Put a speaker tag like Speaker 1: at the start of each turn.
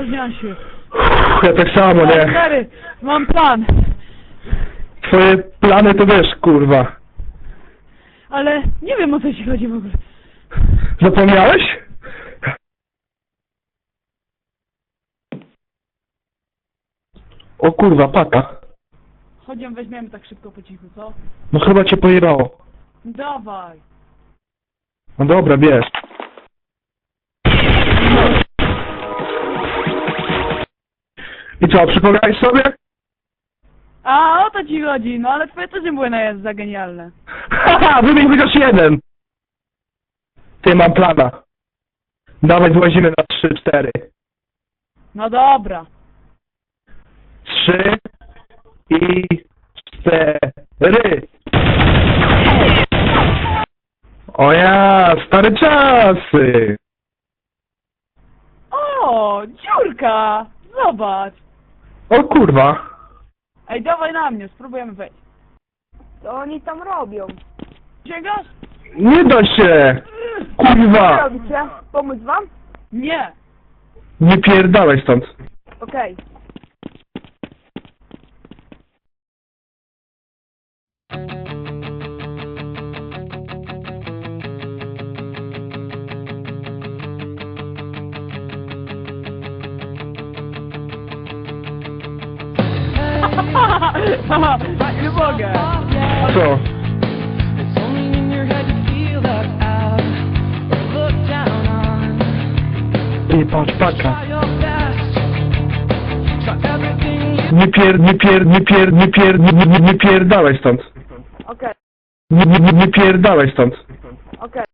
Speaker 1: Spóźniam się.
Speaker 2: Ja tak samo, nie?
Speaker 1: Stary, mam plan.
Speaker 2: Twoje plany to wiesz, kurwa.
Speaker 1: Ale nie wiem, o co ci chodzi w ogóle.
Speaker 2: Zapomniałeś? O kurwa, paka.
Speaker 1: Chodź ją weźmiemy tak szybko po cichu, co?
Speaker 2: No chyba cię pojebało.
Speaker 1: Dawaj.
Speaker 2: No dobra, bierz. I co, przypomniałeś sobie?
Speaker 1: A, o to ci chodzi, no ale twoje też nie były za genialne.
Speaker 2: Haha, wymień chociaż jeden. Ty, mam plana. Dawaj, włazimy na 3-4.
Speaker 1: No dobra.
Speaker 2: 3 i 4. O ja, stare czasy.
Speaker 1: O, dziurka! Zobacz.
Speaker 2: O kurwa.
Speaker 1: Ej, dawaj na mnie, spróbujemy wejść.
Speaker 3: Co oni tam robią?
Speaker 1: Sięgasz?
Speaker 2: Nie da się.
Speaker 3: Co
Speaker 2: Kurwa.
Speaker 3: robicie? Pomóc wam?
Speaker 1: Nie.
Speaker 2: Nie pierdalaj stąd.
Speaker 3: Okej.
Speaker 1: Nie mogę.
Speaker 2: Co?
Speaker 4: It's only in your head you feel that out or look down on.
Speaker 2: Nie patrz, paka.
Speaker 4: Try your best. Try everything you
Speaker 2: Nie pierdalaj stąd.
Speaker 3: Okej.
Speaker 2: Nie pierdalaj stąd.
Speaker 3: Okej.